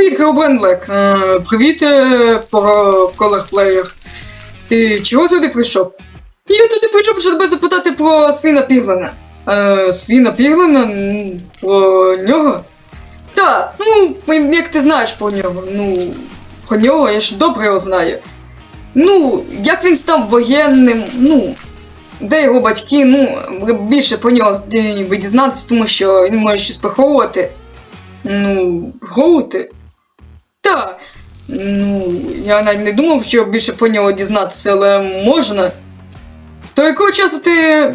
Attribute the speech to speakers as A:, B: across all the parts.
A: Привіт, Herobrine Black. Привіт, Color Player. Ти чого сюди прийшов? Я сюди прийшов, щоб тебе запитати про Свіна Піглена. Свіна Піглена? Про нього? Так, як ти знаєш про нього? Про нього я ж добре його знаю. Як він став воєнним, де його батьки, більше про нього ви дізнатися, тому що він може щось приховувати. Приховувати? Так. Я навіть не думав, що більше про нього дізнатися, але можна. То якого часу ти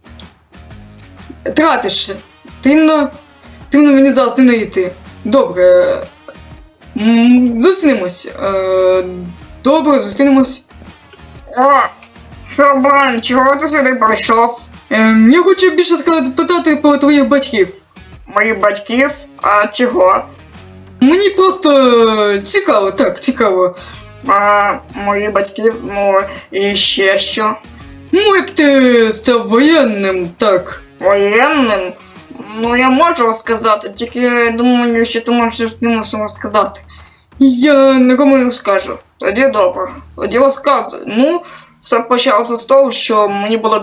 A: тратишся? Трібно мені зараз не йти. Добре. Зустрінемось. Добре, зустрінемось.
B: Herobrine, чого ти сюди прийшов?
A: Я хочу більше питати про твоїх батьків.
B: Моїх батьків? А чого?
A: Мені просто цікаво, так, цікаво.
B: Моїх батьків, і ще що?
A: Як ти став воєнним, так.
B: Воєнним? Я можу сказати, тільки думаю, що ти можеш йому всього сказати.
A: Я нікому не скажу.
B: Тоді добре, тоді розказуй. Все почалося з того, що мені було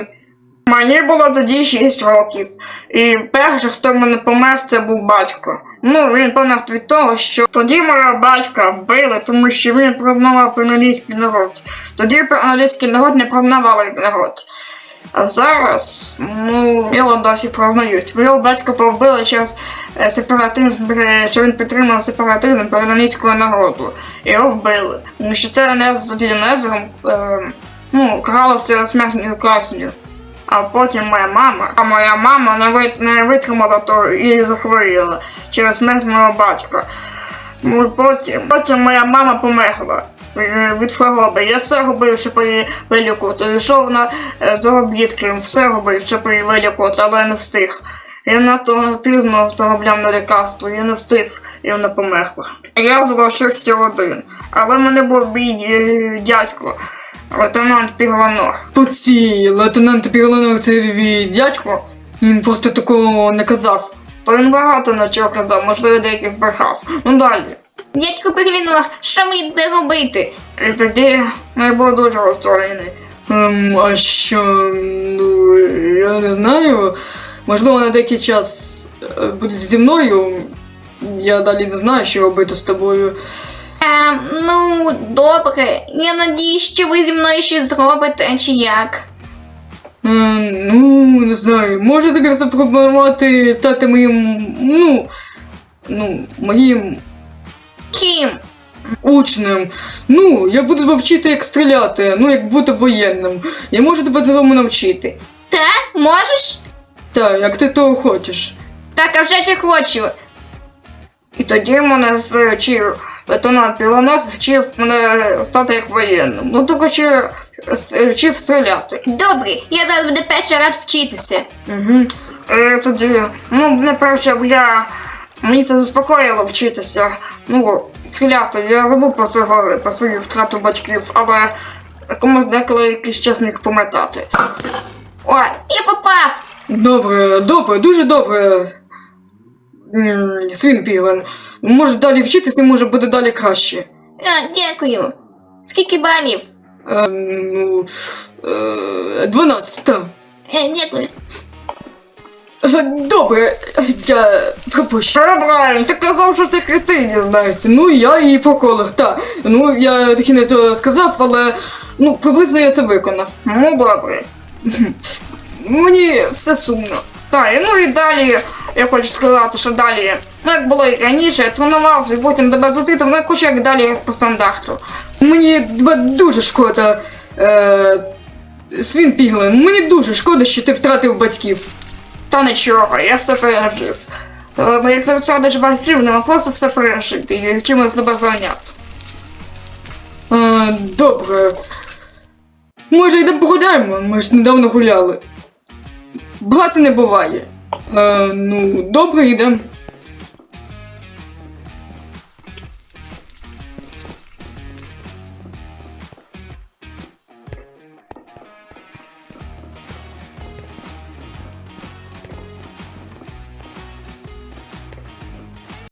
B: тоді 6 років. І перший, хто в мене помер, це був батько. Він помер від того, що тоді мого батька вбили, тому що він признавав пенолійський народ. Тоді пенолійський народ не признавали народ. А зараз, його досі признають. Його батька повбили через сепаратизм, що він підтримав сепаратизм пенолійського народу. Його вбили. Тому що це тоді Незером каралося смертною казнью. А потім моя мама не витримала того і захворіла через смерть мого батька. Потім моя мама померла від хвороби. Я все робив, щоб її вилікувати. Йшов на заробітки, все робив, щоб її вилікувати, але я не встиг. Я надто пізно заробляв на лікарство, я не встиг, і вона померла. Я залишився один, але в мене був мій дядько. Лейтенант Пігланор.
A: Постій, лейтенант Пігланор це твій дядько? Він просто такого не казав.
B: То він багато на чого казав, можливо, деякий збрехав. Далі.
C: Дядько Пігланор, що мені буде робити?
B: І тоді я був дуже розстроєний.
A: А що, я не знаю. Можливо, на деякий час буде зі мною. Я далі не знаю, що робити з тобою.
C: Добре. Я надіюсь, що ви зі мною щось зробите, чи як?
A: Не знаю. Можу тобі запропонувати стати моїм, моїм
C: Ким?
A: учнем. Я буду тебе вчити, як стріляти, як бути воєнним. Я можу тебе цьому навчити.
C: Та? Можеш?
A: Так, як ти того хочеш.
C: Так, а вже ж хочу.
B: І тоді мене вчив лейтенант Пігланор, вчив мене стати як воєнним. Тільки вчив стріляти.
C: Добре, я зараз буду перший раз вчитися.
B: І тоді, мені це заспокоїло вчитися, стріляти. Я забув про свою втрату батьків, але комусь деколи якийсь час міг пам'ятати.
C: Ой, я попав!
A: Добре, дуже добре. Свін Піглен. Може далі вчитися, може буде далі краще.
C: Дякую. Скільки балів?
A: 12, так.
C: Дякую.
A: Добре, я пропущу.
B: Herobrine, ти казав, що ти кретин.
A: Не знаю, я і по колах, так. Я таки не то сказав, але, приблизно я це виконав.
B: Добре.
A: Мені все сумно.
B: Так, і далі, я хочу сказати, що далі, як було і раніше, я тренувався, і потім тебе зустріти, я хочу як далі по стандарту.
A: Мені тебе дуже шкода, Свін Піглен, мені дуже шкода, що ти втратив батьків.
B: Та нічого, я все пережив. Як ти втратиш батьків, нема просто все пережити і чимось тебе зайняти.
A: Добре. Може йдемо погуляємо, ми ж недавно гуляли. Брати не буває. Добре, йдемо.